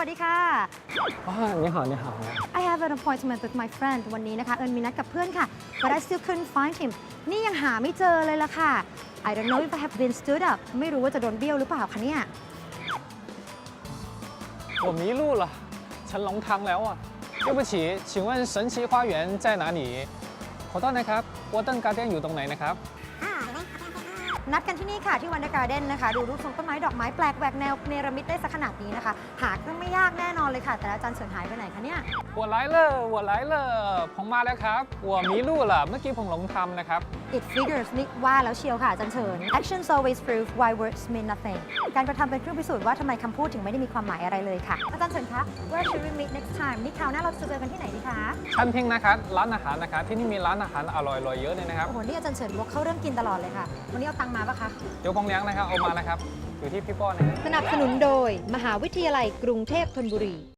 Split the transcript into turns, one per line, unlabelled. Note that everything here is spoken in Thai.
ดีค่ะ
你好你好
I have an appointment with my friend วันนี้นะคะเอิญมีนัดกับเพื่อนค่ะ but I still couldn't find him นี่ยังหาไม่เจอเลยล่ะค่ะ I don't know if I have been stood up ไม่รู้ว่าจะโดนเบี้ยวหรือเปล่าคะเนี่ย
我迷路了ฉันหลงทางแล้วอ่ะ对不起请问神奇花园在哪里ขอโทษนะครับวอเตอร์การ์เด้นอยู่ตรงไหนนะครับ
นัดกันที่นี่ค่ะที่วันเดอร์การ์เด้นนะคะดูรูปทรงต้นไม้ดอกไม้แปลกแหวกแนวเนรมิตได้สักขนาดนี้นะคะหาเครื่องไม่ยากแน่นอนเลยค่ะ แต่อาจารย์เฉินหายไปไหนคะเนี่ย
我来了我来了ผมมาแล้วครับ我迷路了เมื่อกี้ผมหลงทางนะครับ
It figures นี่ว่าแล้วเชียวค่ะอาจารย์เฉิน Actions always prove why words mean nothing การกระทำเป็นเครื่องพิสูจน์ว่าทำไมคำพูดถึงไม่ได้มีความหมายอะไรเลยค่ะอาจารย์เฉินคะ Where should we meet next time นี่คราวหน้าเราจะเจอกันที่ไหนดีคะ
ชั้นทิ้งนะครับร้านอาหารนะครับที่นี่มีร้านอาหารอร่อยๆเยอะเลยนะครับ
โอ้โหนี่อาจารย์เฉินวกเข้าเรื่องกินตลอดเลยค่ะวันนี้เอาตังค์มาปะคะ
เดี๋ยวผมเลี้ยงนะครับเอามานะครับอยู่ที่พี่ป้อนนะครับ
สนับสนุนโดยมหาวิทยาลัยกรุงเทพธนบุรี